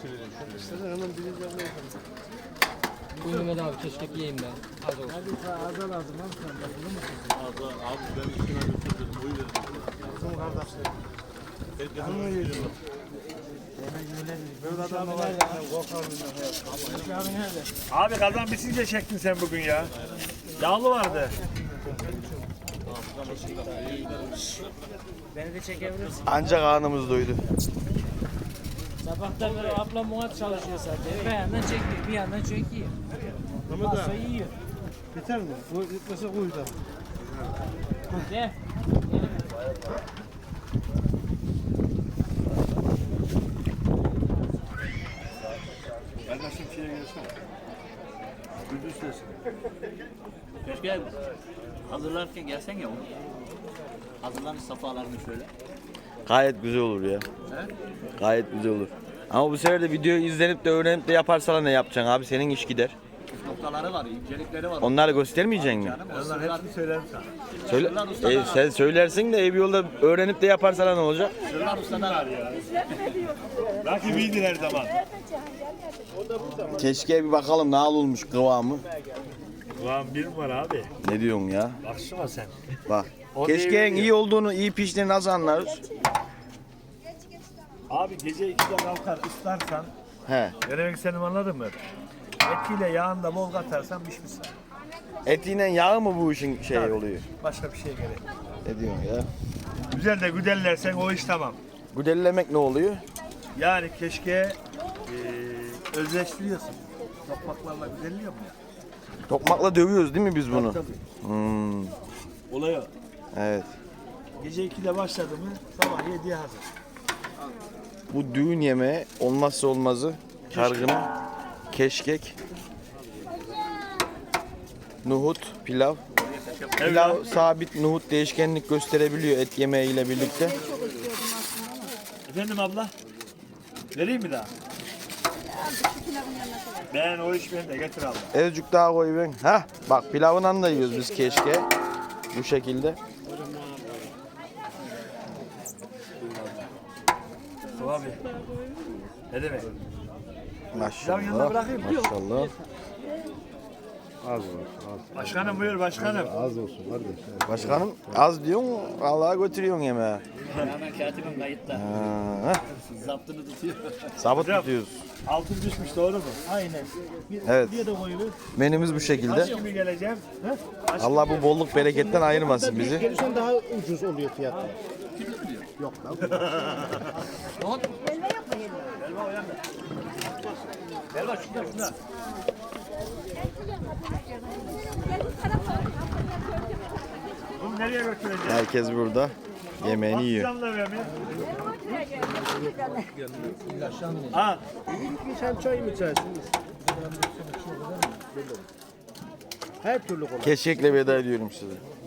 Hemen bileceğim. Buyurun Mehmet abi keşkek yiyeyim ben. Az olsun. Hadi azal lazım lan sen de bunu mu tutuyorsun? Abi ben üstüne götürdüm. O yüzden. Bizim kardeşlerim. Herkesin onu yiyor. Böyle adam var. Abi kazan bitince çektin sen bugün ya. Yağlı vardı. Beni de çekebilirsin. Ancak karnımız doydu. Sabahtan beri ablam muhat çalışıyor zaten. Bir yandan çekiyor, bir yandan çekiyor. Masa yiyor. Biter mi? Bu gitmese koy da. Gel. Kardeşim şeye gelsene. Gündüz sesi. Keşke hazırlarken gelsen ya onu. Hazırlanmış safhalarını şöyle. Gayet güzel olur ya. Gayet güzel olur. Ama bu sefer de video izlenip de öğrenip de yaparsan ne yapacaksın abi? Senin iş gider. Noktaları var, incelikleri var. Onları göstermeyeceksin mi? Onlar hepsini söylerim sana. Söyle, sen söylersin de ev yolda öğrenip de yaparsan ne olacak? Sırlar ustalar var ya. Rakibiydi her zaman. Keşke bir bakalım ne olmuş kıvamı. Ulan bir numara abi. Ne diyorsun ya? Baksana sen. Bak. O Keşkeğin değil iyi olduğunu, iyi piştiğini nasıl anlarız? Abi gece 2'de kalkar ıslarsan, He. ne demek istediğimi anladın mı? Etiyle yağını da bol katarsan pişmiş. Etiyle yağı mı bu işin şey Tabii. oluyor? Başka bir şey gerek. Ne diyorsun ya? Güzel de güdellersen o iş tamam. Güdellemek ne oluyor? Yani keşke özleştiriyorsun. Topraklarla güzelliyor mu ya? Tokmakla dövüyoruz değil mi biz bunu? Tabii. Hmm, Olay o. evet. Gece 2'de başladı mı sabah 7'ye hazır. Bu düğün yemeği olmazsa olmazı kargının keşkek, nohut, pilav. Pilav sabit, nohut değişkenlik gösterebiliyor et yemeğiyle birlikte. Efendim abla? Vereyim mi daha? Ben o iş benim de getir abla. Azıcık daha koy ben. Hah, bak pilavından da yiyoruz biz keşke. Bu şekilde. Abi. Ne demek? Maşallah. yanına bırakayım. Maşallah. Az olsun. Başkanım buyur başkanım. Az olsun kardeş. Başkanım az diyorsun, Allah'a götürüyorsun yemeği. Hemen katibim kayıtta. Ha, Zaptını tutuyor. sabit Hocam. tutuyoruz. Altın düşmüş doğru mu? Aynen. Evet. Bir de koyuyor. Menümüz bu şekilde. Kaç gibi geleceğim? Kaç Allah bu bolluk bereketten ayırmasın bizi. Gelirsen daha ucuz oluyor fiyatı. Yok lan. Gel bak şurada. Bunu nereye götüreceğim? Herkes burada yemeğini yiyor. Patlıcanla ver mi? Ha, Sen çay mı içersin? Her türlü kolay. Keşkekle veda ediyorum size.